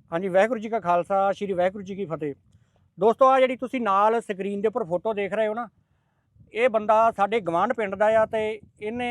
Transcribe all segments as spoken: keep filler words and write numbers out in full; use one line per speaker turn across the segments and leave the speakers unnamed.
ਹਾਂਜੀ, ਵਾਹਿਗੁਰੂ ਜੀ ਕਾ ਖਾਲਸਾ, ਸ਼੍ਰੀ ਵਾਹਿਗੁਰੂ ਜੀ ਕੀ ਫਤਿਹ। ਦੋਸਤੋ, ਆ ਜਿਹੜੀ ਤੁਸੀਂ ਨਾਲ ਸਕਰੀਨ ਦੇ ਉੱਪਰ ਫੋਟੋ ਦੇਖ ਰਹੇ ਹੋ ਨਾ, ਇਹ ਬੰਦਾ ਸਾਡੇ ਗਵਾਂਢ ਪਿੰਡ ਦਾ ਆ ਤੇ ਇਹਨੇ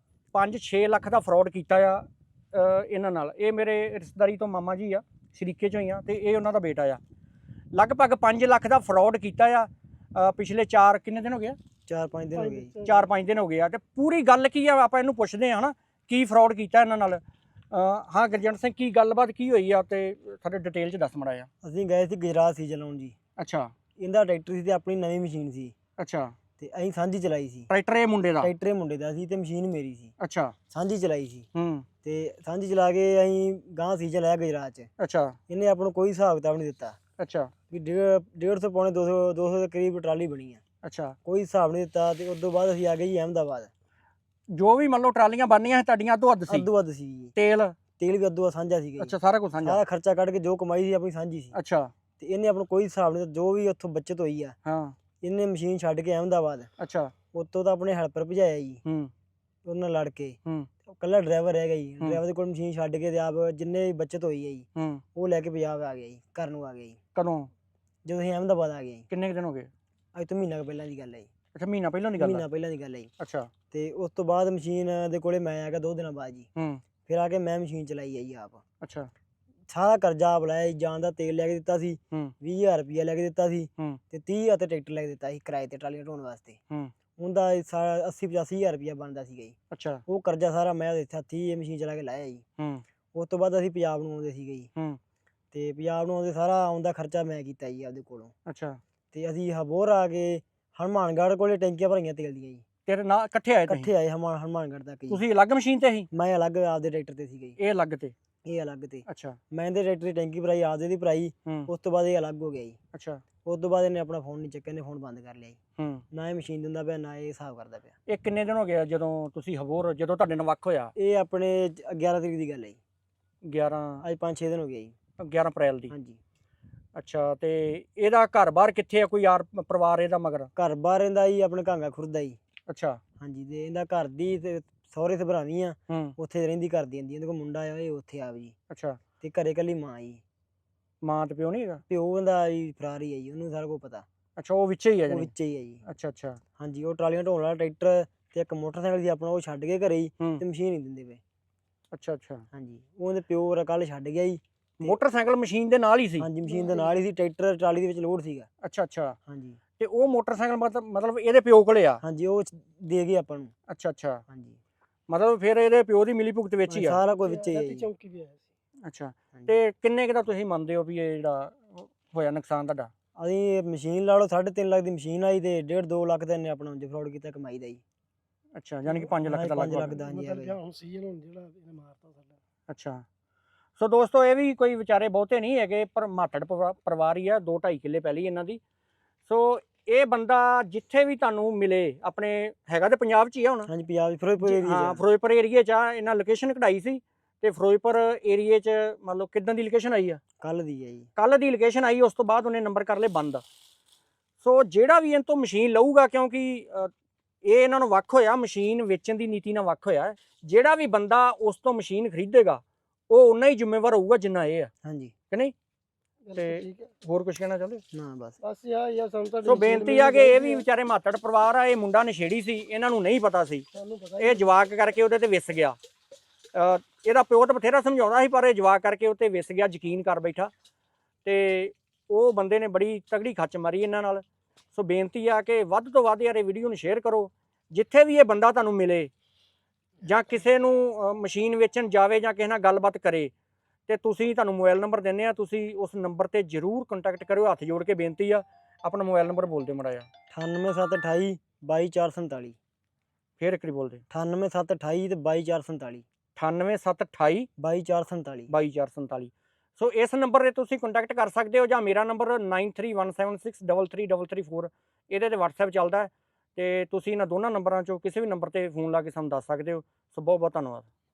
ਪੰਜ ਛੇ ਲੱਖ ਦਾ ਫਰਾਡ ਕੀਤਾ ਆ ਅ, ਇਹਨਾਂ ਨਾਲ। ਇਹ ਮੇਰੇ ਰਿਸ਼ਤੇਦਾਰੀ ਤੋਂ ਮਾਮਾ ਜੀ ਆ, ਸ਼ਰੀਕੇ ਚੋਂ ਹੀ ਆ, ਤੇ ਇਹ ਉਹਨਾਂ ਦਾ ਬੇਟਾ ਆ। ਲਗਭਗ ਪੰਜ ਲੱਖ ਦਾ ਫਰਾਡ ਕੀਤਾ ਆ। ਅ, ਪਿਛਲੇ ਚਾਰ ਕਿੰਨੇ ਦਿਨ ਹੋ ਗਏ ਆ?
ਚਾਰ ਪੰਜ ਦਿਨ ਹੋ ਗਏ ਜੀ।
ਚਾਰ ਪੰਜ ਦਿਨ ਹੋ ਗਏ ਆ। ਤੇ ਪੂਰੀ ਗੱਲ ਕੀ ਆ ਆਪਾਂ ਇਹਨੂੰ ਪੁੱਛਦੇ ਆ ਹਨਾ, ਕੀ ਫਰਾਡ ਕੀਤਾ ਇਹਨਾਂ ਨਾਲ। ਅ, ਹਾਂ ਗੁਰਜੰਟ ਸਿੰਘ, ਕੀ ਗੱਲਬਾਤ ਕੀ ਹੋਈ ਆ ਤੇ ਸਾਡੇ ਡਿਟੇਲ 'ਚ ਦੱਸ ਮੜਾ ਆ।
ਅਸੀਂ ਗਏ ਸੀ ਗੁਜਰਾਤ ਸੀ ਚਲਾਉਣ ਜੀ।
ਅੱਛਾ
ਇਹਦਾ ਟਰੈਕਟਰ ਸੀ ਤੇ ਆਪਣੀ ਨਵੀਂ ਮਸ਼ੀਨ ਸੀ
ਅੱਛਾ।
ਤੇ ਅਸੀਂ ਸਾਂਝੀ ਚਲਾਈ ਸੀ।
ਟਰੈਕਟਰ ਇਹ ਮੁੰਡੇ ਦਾ?
ਟਰੈਕਟਰ ਇਹ ਮੁੰਡੇ ਦਾ ਸੀ ਤੇ ਮਸ਼ੀਨ ਮੇਰੀ ਸੀ।
ਅੱਛਾ।
ਸਾਂਝੀ ਚਲਾਈ ਸੀ
ਹੂੰ।
ਤੇ ਸਾਂਝੀ ਚਲਾ ਕੇ ਅਸੀਂ ਗਾਂ ਸੀ ਚਲਾਇਆ ਗੁਜਰਾਤ 'ਚ।
ਅੱਛਾ
ਇਹਨੇ ਆਪਾਂ ਨੂੰ ਕੋਈ ਹਿਸਾਬ ਕਿਤਾਬ ਨਹੀਂ ਦਿੱਤਾ
ਅੱਛਾ
ਵੀ ਡੇਢ ਡੇਢ ਸੌ ਪੌਣੇ ਦੋ ਸੌ ਦੋ ਸੌ ਦੇ ਕਰੀਬ ਟਰਾਲੀ ਬਣੀ ਆ।
ਅੱਛਾ।
ਕੋਈ ਹਿਸਾਬ ਨਹੀਂ ਦਿੱਤਾ ਤੇ ਉਸ ਤੋਂ ਬਾਅਦ ਅਸੀਂ ਆ ਗਏ ਜੀ ਅਹਿਮਦਾਬਾਦ।
ਜੋ ਵੀ ਮੰਨ ਲਓ ਟਰਾਲੀਆਂ ਬਣਨੀਆਂ ਸੀ ਤੁਹਾਡੀਆਂ ਅੱਧੋ ਅੱਧ ਸੀ?
ਅੱਧੋ ਅੱਧ ਸੀ ਜੀ।
ਤੇਲ?
ਤੇਲ ਵੀ ਅੱਧੋ ਅੱਧ ਸਾਂਝਾ ਸੀਗਾ ਜੀ।
ਅੱਛਾ, ਸਾਰਾ ਕੁਝ ਸਾਂਝਾ?
ਸਾਰਾ ਖਰਚਾ ਕੱਢ ਕੇ ਜੋ ਕਮਾਈ ਸੀ ਆਪਣੀ ਸਾਂਝੀ ਸੀ।
ਅੱਛਾ।
ਤੇ ਇਹਨੇ ਆਪਾਂ ਨੂੰ ਕੋਈ ਹਿਸਾਬ ਨਹੀਂ ਦਿੱਤਾ। ਜੋ ਵੀ ਉੱਥੋਂ ਬੱਚਤ ਹੋਈ ਆ
ਹਾਂ।
ਇਹਨੇ ਮਸ਼ੀਨ ਛੱਡ ਕੇ ਅਹਿਮਦਾਬਾਦ
ਅੱਛਾ।
ਉੱਤੋਂ ਤਾਂ ਆਪਣੇ ਹੈਲਪਰ ਭਜਾਇਆ ਜੀ।
ਹੂੰ।
ਉਹਦੇ ਨਾਲ ਲੜ ਕੇ
ਹੂੰ।
ਕੱਲਾ ਡਰਾਈਵਰ ਰਹਿ ਗਿਆ ਜੀ।
ਹੂੰ।
ਡਰਾਈਵਰ ਦੇ ਕੋਲ ਮਸ਼ੀਨ ਛੱਡ ਕੇ ਤੇ ਆਪ ਜਿੰਨੇ ਵੀ ਬੱਚਤ ਹੋਈ ਹੈ ਜੀ
ਹੂੰ।
ਉਹ ਲੈ ਕੇ ਪੰਜਾਬ ਆ ਗਿਆ ਜੀ, ਘਰ ਨੂੰ ਆ ਗਿਆ ਜੀ।
ਕਦੋਂ?
ਜਦੋਂ ਅਸੀਂ ਅਹਿਮਦਾਬਾਦ ਆ ਗਏ ਜੀ।
ਕਿੰਨੇ ਕੁ ਦਿਨ ਹੋ ਗਏ?
ਅੱਜ ਤੋਂ ਮਹੀਨਾ ਕੁ ਪਹਿਲਾਂ ਦੀ ਗੱਲ ਹੈ ਜੀ।
ਅੱਛਾ, ਮਹੀਨਾ ਪਹਿਲਾਂ ਦੀ ਗੱਲ ਆ?
ਮਹੀਨਾ ਪਹਿਲਾਂ ਦੀ ਗੱਲ ਹੈ ਜੀ।
ਅੱਛਾ।
ਤੇ ਉਸ ਤੋਂ ਬਾਅਦ ਮਸ਼ੀਨ ਦੇ ਕੋਲੇ ਮੈਂ ਆ ਗਿਆ ਦੋ ਦਿਨਾਂ ਬਾਅਦ ਜੀ।
ਹੂੰ।
ਫਿਰ ਆ ਕੇ ਮੈਂ ਮਸ਼ੀਨ ਚਲਾਈ ਹੈ ਜੀ ਆਪ।
ਅੱਛਾ।
ਸਾਰਾ ਕਰਜ਼ਾ ਆਪ ਲਾਇਆ ਜੀ। ਜਾਣ ਦਾ ਤੇਲ ਲੈ ਕੇ ਦਿੱਤਾ ਸੀ,
ਹੂੰ।
ਵੀਹ ਹਜ਼ਾਰ ਰੁਪਈਆ ਲੈ ਕੇ ਦਿੱਤਾ ਸੀ
ਹੂੰ।
ਤੇ ਤੀਹ ਹਜ਼ਾਰ ਤੇ ਟਰੈਕਟਰ ਲੈ ਕੇ ਦਿੱਤਾ ਸੀ ਕਿਰਾਏ ਤੇ ਟਰਾਲੀਆਂ ਢੋਣ ਵਾਸਤੇ।
ਹੂੰ।
ਉਹਦਾ ਸਾਰਾ ਅੱਸੀ ਪਚਾਸੀ ਹਜ਼ਾਰ ਰੁਪਈਆ ਬਣਦਾ ਸੀਗਾ ਜੀ।
ਅੱਛਾ।
ਉਹ ਕਰਜ਼ਾ ਸਾਰਾ ਮੈਂ ਇੱਥੇ ਹੱਥੀਂ ਇਹ ਮਸ਼ੀਨ ਚਲਾ ਕੇ ਲਾਇਆ ਜੀ।
ਹੂੰ।
ਉਸ ਤੋਂ ਬਾਅਦ ਅਸੀਂ ਪੰਜਾਬ ਨੂੰ ਆਉਂਦੇ ਸੀਗੇ ਜੀ।
ਹੂੰ।
ਤੇ ਪੰਜਾਬ ਨੂੰ ਆਉਂਦੇ ਸਾਰਾ ਆਉਂਦਾ ਖਰਚਾ ਮੈਂ ਕੀਤਾ ਜੀ ਆਪਦੇ ਕੋਲੋਂ।
ਅੱਛਾ।
ਤੇ ਅਸੀਂ ਹਬੋਰ ਆ ਕੇ ਹਨੂੰਮਾਨਗੜ੍ਹ ਕੋਲੇ ਟੈਂਕੀਆਂ ਭਰੀਆਂ ਤੇਲ ਦੀਆਂ ਜੀ।
ਤੇਰੇ ਨਾਲ ਇਕੱਠੇ ਆਏ ਤੁਸੀਂ?
ਇਕੱਠੇ ਆਏ ਹਨੂੰਮਾਨ ਹਨੂੰਮਾਨਗੜ੍ਹ ਤੱਕ ਜੀ।
ਤੁਸੀਂ ਅਲੱਗ ਮਸ਼ੀਨ ਤੇ ਸੀ?
ਮੈਂ ਅਲੱਗ ਆਪਦੇ ਟਰੈਕਟਰ ਤੇ ਸੀਗਾ ਜੀ।
ਇਹ ਅਲੱਗ ਤੇ?
ਇਹ ਅਲੱਗ ਤੇ।
ਅੱਛਾ।
ਮੈਂ ਇਹਦੇ ਟਰੈਕਟਰ ਦੀ ਟੈਂਕੀ ਭਰਾਈ, ਆਪਦੇ ਦੀ ਭਰਾਈ।
ਹੂੰ।
ਉਸ ਤੋਂ ਬਾਅਦ ਇਹ ਅਲੱਗ ਹੋ ਗਿਆ ਜੀ।
ਅੱਛਾ।
ਉਸ ਤੋਂ ਬਾਅਦ ਇਹਨੇ ਆਪਣਾ ਫੋਨ ਨਹੀਂ ਚੱਕਿਆ, ਇਹਨੇ ਫੋਨ ਬੰਦ ਕਰ ਲਿਆ ਜੀ।
ਹੂੰ।
ਨਾ ਇਹ ਮਸ਼ੀਨ ਦਿੰਦਾ ਪਿਆ, ਨਾ ਇਹ ਹਿਸਾਬ ਕਰਦਾ ਪਿਆ।
ਇਹ ਕਿੰਨੇ ਦਿਨ ਹੋ ਗਏ ਆ ਜਦੋਂ ਤੁਸੀਂ ਹਬੋਰ, ਜਦੋਂ ਤੁਹਾਡੇ ਨਾਲ ਵੱਖ ਹੋਇਆ?
ਇਹ ਆਪਣੇ ਗਿਆਰਾਂ ਤਰੀਕ ਦੀ ਗੱਲ ਹੈ ਜੀ।
ਗਿਆਰਾਂ?
ਅੱਜ ਪੰਜ ਛੇ ਦਿਨ ਹੋ ਗਏ ਜੀ।
ਗਿਆਰਾਂ ਅਪ੍ਰੈਲ ਦੀ?
ਹਾਂਜੀ।
ਅੱਛਾ। ਤੇ ਇਹਦਾ ਘਰ ਬਾਹਰ ਕਿੱਥੇ ਆ? ਕੋਈ ਯਾਰ ਪਰਿਵਾਰ ਇਹਦਾ ਮਗਰ?
ਘਰ ਬਾਹਰ ਇਹਦਾ ਜੀ ਆਪਣੇ ਕਾਂਗਾ ਖੁਰਦਾ ਜੀ।
ਅੱਛਾ।
ਹਾਂਜੀ। ਤੇ ਇਹਦਾ ਘਰ ਦੀ ਤੇ ਸਹੁਰੇ ਸਭਰਾਵੀਂ ਆ,
ਹੂੰ।
ਉੱਥੇ ਰਹਿੰਦੀ ਕਰਦੀ ਜਾਂਦੀ। ਇਹਦੇ ਕੋਲ ਮੁੰਡਾ ਆ, ਇਹ ਉੱਥੇ ਆ ਜੀ।
ਅੱਛਾ।
ਤੇ ਘਰੇ ਕੱਲੀ ਮਾਂ ਜੀ।
ਮਾਂ ਤੇ ਪਿਓ ਨਹੀਂ ਹੈਗਾ?
ਪਿਓ ਇਹਦਾ ਜੀ ਫਰਾਰ ਹੀ ਹੈ ਜੀ, ਉਹਨੂੰ ਸਾਰਾ ਕੁਝ ਪਤਾ।
ਅੱਛਾ, ਉਹ ਵਿੱਚੇ ਹੀ ਆ
ਉਹ
ਜਾਣੀ?
ਵਿੱਚ ਹੀ ਹੈ ਜੀ।
ਅੱਛਾ ਅੱਛਾ।
ਹਾਂਜੀ। ਉਹ ਟਰਾਲੀਆਂ ਢੋਣ ਵਾਲਾ ਟਰੈਕਟਰ ਤੇ ਇੱਕ ਮੋਟਰਸਾਈਕਲ ਸੀ ਆਪਣਾ, ਉਹ ਛੱਡ ਕੇ ਘਰੇ ਹੀ
ਹੂੰ।
ਤੇ ਮਸ਼ੀਨ ਨਹੀਂ ਦਿੰਦੇ ਪਏ।
ਅੱਛਾ ਅੱਛਾ।
ਹਾਂਜੀ। ਉਹਦੇ ਪਿਓ ਕੱਲ ਛੱਡ ਗਿਆ ਜੀ।
ਮੋਟਰਸਾਈਕਲ ਮਸ਼ੀਨ ਦੇ ਨਾਲ ਹੀ ਸੀ?
ਹਾਂਜੀ, ਮਸ਼ੀਨ ਦੇ ਨਾਲ ਹੀ ਸੀ। ਟਰੈਕਟਰ ਟਰਾਲੀ ਦੇ ਵਿੱਚ ਲੋਡ ਸੀਗਾ।
ਅੱਛਾ ਅੱਛਾ।
ਹਾਂਜੀ।
ਤੇ ਉਹ ਮੋਟਰਸਾਈਕਲ ਮਤਲਬ ਮਤਲਬ ਇਹਦੇ ਪਿਓ ਕੋਲੇ ਆ?
ਹਾਂਜੀ। ਉਹ ਦੇ ਗਏ ਆਪਾਂ ਨੂੰ।
ਅੱਛਾ ਅੱਛਾ।
ਹਾਂਜੀ।
ਮਤਲਬ ਫਿਰ ਇਹਦੇ ਪਿਓ ਦੀ ਮਿਲੀ ਭੁਗਤ ਵਿੱਚ ਹੀ ਆ?
ਸਾਰਾ ਕੁਝ ਵਿੱਚ ਹੀ ਹੈ ਜੀ।
ਚੌਂਕੀ ਵੀ ਆਇਆ ਸੀ।
ਅੱਛਾ।
ਹਾਂਜੀ।
ਤੇ ਕਿੰਨੇ ਕੁ ਦਾ ਤੁਸੀਂ ਮੰਨਦੇ ਹੋ ਵੀ ਇਹ ਜਿਹੜਾ ਹੋਇਆ ਨੁਕਸਾਨ ਤੁਹਾਡਾ?
ਅਸੀਂ ਮਸ਼ੀਨ ਲਾ ਲਓ, ਸਾਢੇ ਤਿੰਨ ਲੱਖ ਦੀ ਮਸ਼ੀਨ ਆਈ ਤੇ ਡੇਢ ਦੋ ਲੱਖ ਦਾ ਇਹਨੇ ਆਪਣਾ ਫਰਾਡ ਕੀਤਾ ਕਮਾਈ ਦਾ ਜੀ।
ਅੱਛਾ, ਯਾਨੀ ਕਿ ਪੰਜ ਲੱਖ ਦਾ
ਪੰਜ
ਲੱਗ
ਲੱਖ ਦਾ ਹਾਂਜੀ।
ਮਤਲਬ ਜਿਹੜਾ ਹੁਣ ਸੀਜ਼ਨ ਹੁਣ ਜਿਹੜਾ ਇਹਨੇ ਮਾਰਤਾ ਸਾਡਾ।
ਅੱਛਾ। ਸੋ ਦੋਸਤੋ, ਇਹ ਵੀ ਕੋਈ ਵਿਚਾਰੇ ਬਹੁਤੇ ਨਹੀਂ ਹੈਗੇ, ਪਰ ਮਾਤੜ ਪਰਿਵਾ- ਪਰਿਵਾਰ ਹੀ ਆ। ਦੋ ਢਾਈ ਕਿੱਲੇ ਪਹਿਲੀ ਇਹਨਾਂ ਦੀ। ਸੋ ਇਹ ਬੰਦਾ ਜਿੱਥੇ ਵੀ ਤੁਹਾਨੂੰ ਮਿਲੇ, ਆਪਣੇ ਹੈਗਾ ਤੇ ਪੰਜਾਬ 'ਚ ਹੀ ਆ ਹੁਣ?
ਹਾਂਜੀ, ਪੰਜਾਬ ਦੀ ਫਿਰੋਜ਼ਪੁਰ ਏਰੀਆ
ਹਾਂ, ਫਿਰੋਜ਼ਪੁਰ ਏਰੀਏ 'ਚ ਆ। ਇਹਨਾਂ ਲੋਕੇਸ਼ਨ ਕਢਾਈ ਸੀ ਤੇ ਫਿਰੋਜ਼ਪੁਰ ਏਰੀਏ 'ਚ ਮੰਨ ਲਓ ਕਿੱਦਾਂ ਦੀ ਲੋਕੇਸ਼ਨ ਆਈ ਆ?
ਕੱਲ ਦੀ ਹੈ ਜੀ।
ਕੱਲ ਦੀ ਲੋਕੇਸ਼ਨ ਆਈ, ਉਸ ਤੋਂ ਬਾਅਦ ਉਹਨੇ ਨੰਬਰ ਕਰ ਲਏ ਬੰਦ। ਸੋ ਜਿਹੜਾ ਵੀ ਇਹਨਾਂ ਤੋਂ ਮਸ਼ੀਨ ਲਊਗਾ, ਕਿਉਂਕਿ ਅ, ਇਹ ਇਹਨਾਂ ਨੂੰ ਵੱਖ ਹੋਇਆ, ਮਸ਼ੀਨ ਵੇਚਣ ਦੀ ਨੀਤੀ ਨਾਲ ਵੱਖ ਹੋਇਆ। ਜਿਹੜਾ ਵੀ ਬੰਦਾ ਉਸ ਤੋਂ ਮਸ਼ੀਨ ਖਰੀਦੇਗਾ ਉਹ ਉਨਾ ਹੀ ਜ਼ਿੰਮੇਵਾਰ ਹੋਊਗਾ ਜਿੰਨਾ ਇਹ ਆ,
ਹਾਂਜੀ।
ਕਿ ਨਹੀਂ?
ਬਿਲਕੁਲ
ਤੇ
ਠੀਕ ਹੈ।
ਹੋਰ ਕੁਝ ਕਹਿਣਾ ਚਾਹੁੰਦੇ?
ਨਾ ਬਸ।
ਬਸ ਯਾ ਯਾ ਸਾਨੂੰ ਤਾਂ
ਸੋ ਬੇਨਤੀ ਆ ਕਿ ਇਹ ਵੀ ਵਿਚਾਰੇ ਮਾਤੜ ਪਰਿਵਾਰ ਆ। ਇਹ ਮੁੰਡਾ ਨਸ਼ੇੜੀ ਸੀ, ਇਹਨਾਂ ਨੂੰ ਨਹੀਂ ਪਤਾ ਸੀ।
ਸਾਨੂੰ ਪਤਾ
ਇਹ ਜਵਾਕ ਕਰਕੇ ਉਹਦੇ ਤੇ ਵਿਸ ਗਿਆ। ਅ, ਇਹਦਾ ਪਿਓ ਤਾਂ ਬਥੇਰਾ ਸਮਝਾਉਂਦਾ ਸੀ, ਪਰ ਇਹ ਜਵਾਕ ਕਰਕੇ ਉੱਤੇ ਵਿਸ ਗਿਆ, ਯਕੀਨ ਕਰ ਬੈਠਾ। ਤੇ ਉਹ ਬੰਦੇ ਨੇ ਬੜੀ ਤਗੜੀ ਖੱਚ ਮਾਰੀ ਇਹਨਾਂ ਨਾਲ। ਸੋ ਬੇਨਤੀ ਆ ਕਿ ਵੱਧ ਤੋਂ ਵੱਧ ਯਾਰ ਇਹ ਵੀਡੀਓ ਨੂੰ ਸ਼ੇਅਰ ਕਰੋ। ਜਿੱਥੇ ਵੀ ਇਹ ਬੰਦਾ ਤੁਹਾਨੂੰ ਮਿਲੇ ਜਾਂ ਕਿਸੇ ਨੂੰ ਅ, ਮਸ਼ੀਨ ਵੇਚਣ ਜਾਵੇ ਜਾਂ ਕਿਸੇ ਨਾਲ ਗੱਲਬਾਤ ਕਰੇ, ਤੇ ਤੁਸੀਂ ਤੁਹਾਨੂੰ ਮੋਬਾਈਲ ਨੰਬਰ ਦਿੰਦੇ ਆ, ਤੁਸੀਂ ਉਸ ਨੰਬਰ ਤੇ ਜ਼ਰੂਰ ਕੰਟੈਕਟ ਕਰਿਓ। ਹੱਥ ਜੋੜ ਕੇ ਬੇਨਤੀ ਆ। ਆਪਣਾ ਮੋਬਾਈਲ ਨੰਬਰ ਬੋਲ ਦਿਓ ਮਾੜਾ ਜਿਹਾ।
ਅਠਾਨਵੇਂ ਸੱਤ ਅਠਾਈ ਬਾਈ ਚਾਰ ਸੰਤਾਲੀ।
ਫੇਰ ਇੱਕ ਵਾਰੀ ਬੋਲ ਦੇ।
ਅਠਾਨਵੇਂ ਸੱਤ ਅਠਾਈ ਤੇ ਬਾਈ ਚਾਰ ਸੰਤਾਲੀ।
ਅਠਾਨਵੇਂ ਸੱਤ ਅਠਾਈ
ਬਾਈ ਚਾਰ ਸੰਤਾਲੀ।
ਬਾਈ ਚਾਰ ਸੰਤਾਲੀ। ਸੋ ਇਸ ਨੰਬਰ 'ਤੇ ਤੁਸੀਂ ਕੰਟੈਕਟ ਕਰ ਸਕਦੇ ਹੋ, ਜਾਂ ਮੇਰਾ number nine three one seven six double three double three four, ਇਹਦੇ 'ਤੇ ਵਟਸਐਪ ਚੱਲਦਾ ਹੈ। ਤੇ ਤੁਸੀਂ ਇਹਨਾਂ ਦੋਨਾਂ ਨੰਬਰਾਂ 'ਚੋਂ ਕਿਸੇ ਵੀ ਨੰਬਰ 'ਤੇ ਫੋਨ ਲਾ ਕੇ ਸਾਨੂੰ ਦੱਸ ਸਕਦੇ ਹੋ। ਸੋ ਬਹੁਤ ਬਹੁਤ ਧੰਨਵਾਦ।